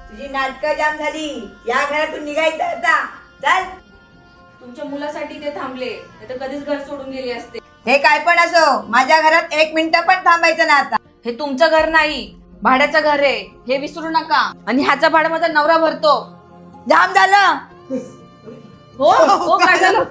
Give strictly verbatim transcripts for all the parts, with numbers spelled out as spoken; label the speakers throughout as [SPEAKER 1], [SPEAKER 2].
[SPEAKER 1] तुझी नाटकं जाम झाली. या घरातून निघायचं आता. चल.
[SPEAKER 2] तुमच्या मुलासाठी ते थांबले, नाहीतर कधीच घर सोडून गेले असते.
[SPEAKER 1] हे काय पण असो, माझ्या घरात एक मिनिट पण थांबायचं ना आता.
[SPEAKER 2] हे तुमचं घर नाही, भाड्याचं घर आहे, हे विसरू नका. आणि ह्याचा भाडा माझा नवरा भरतो.
[SPEAKER 1] जाम झालं.
[SPEAKER 2] हो हो काय झालं?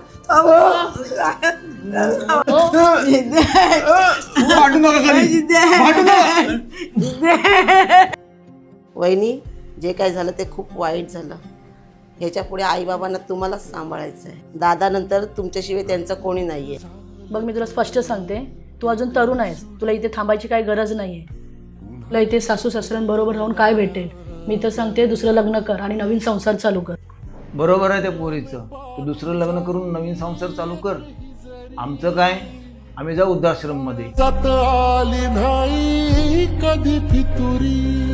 [SPEAKER 3] वहिनी, जे काय झालं ते खूप वाईट झालं. ह्याच्या पुढे आई बाबांना तुम्हालाच सांभाळायचं आहे. दादा नंतर तुमच्याशिवाय त्यांचं कोणी नाहीये.
[SPEAKER 4] बघ, मी तुला स्पष्ट सांगते, तू अजून तरुण आहेस. तुला इथे थांबायची काही गरज नाहीये. तुला इथे सासू सासऱ्यांबरोबर राहून काय भेटेल? मी तर सांगते, दुसरं लग्न कर आणि नवीन संसार चालू कर.
[SPEAKER 5] बरोबर आहे त्या पोरीचं. तू दुसरं लग्न करून नवीन संसार चालू कर. आमचं काय, आम्ही जाऊ वृद्धाश्रम मध्ये.
[SPEAKER 6] आली नाही कधी फितुरी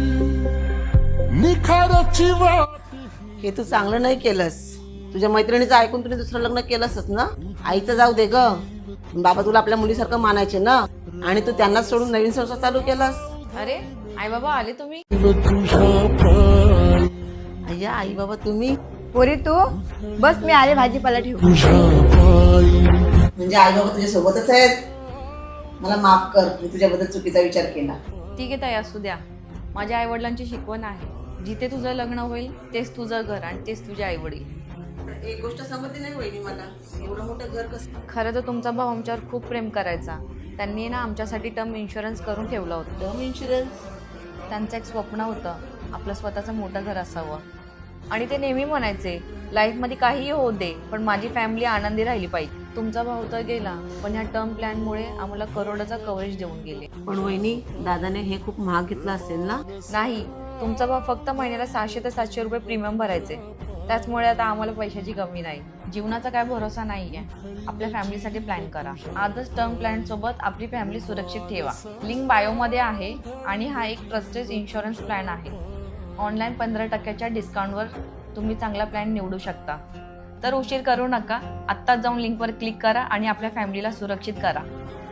[SPEAKER 6] निखाराची वाट.
[SPEAKER 3] हे तू चांगलं नाही केलंस. तुझ्या मैत्रिणीचं ऐकून तुम्ही दुसरं लग्न केलंसच ना. आईचं जाऊ दे ग, बाबा तुला आपल्या मुलीसारखं मानायचे ना, आणि तू त्यांनाच सोडून नवीन संसार चालू केलास.
[SPEAKER 2] अरे आई बाबा आले तुम्ही?
[SPEAKER 6] तुझ्या पायी
[SPEAKER 3] अय्या आई बाबा तुम्ही.
[SPEAKER 1] पोरी तू बस, मी आले भाजीपाला ठेवू.
[SPEAKER 6] तुझ्या पायी
[SPEAKER 3] म्हणजे आई बाबा तुझ्या सोबतच आहेत. मला माफ कर, मी तुझ्याबद्दल चुकीचा विचार केला.
[SPEAKER 2] ठीक आहे ताई, असू द्या. माझ्या आई वडिलांची शिकवण आहे, जिथे तुझं लग्न होईल तेच तुझं घर आणि तेच तुझे आई वडील.
[SPEAKER 3] एक गोष्ट समजली नाही वहिनी मला, एवढं मोठं घर कसं.
[SPEAKER 2] खरं तर तुमचा भाऊ आमच्यावर खूप प्रेम करायचा. त्यांनी ना आमच्यासाठी टर्म इन्शुरन्स करून ठेवलं होतं.
[SPEAKER 3] Term insurance?
[SPEAKER 2] त्यांचं एक स्वप्न होतं, आपलं स्वतःचं मोठं घर असावं. आणि ते नेहमी म्हणायचे, लाईफमध्ये काहीही होऊ दे, पण माझी फॅमिली आनंदी राहिली पाहिजे. तुमचा भाऊ तर गेला, पण ह्या टर्म प्लॅनमुळे आम्हाला करोडाचा कव्हरेज देऊन गेले.
[SPEAKER 3] पण वहिनी, दादाने हे खूप महाग घेतलं असेल ना.
[SPEAKER 2] नाही, तुमचा भाऊ फक्त महिन्याला सहाशे ते सातशे रुपये प्रीमियम भरायचे. त्याचमुळे आता आम्हाला पैशाची कमी नाही. जीवनाचा काय भरोसा नाहीये. आपल्या फॅमिलीसाठी प्लॅन करा. आजच टर्म प्लॅन सोबत आपली फॅमिली सुरक्षित ठेवा. लिंक बायोमध्ये आहे आणि हा एक ट्रस्टेड इन्शुरन्स प्लॅन आहे. ऑनलाईन पंधरा टक्क्याच्या डिस्काउंटवर तुम्ही चांगला प्लॅन निवडू शकता. तर उशीर करू नका, आत्ताच जाऊन लिंकवर क्लिक करा आणि आपल्या फॅमिलीला सुरक्षित करा.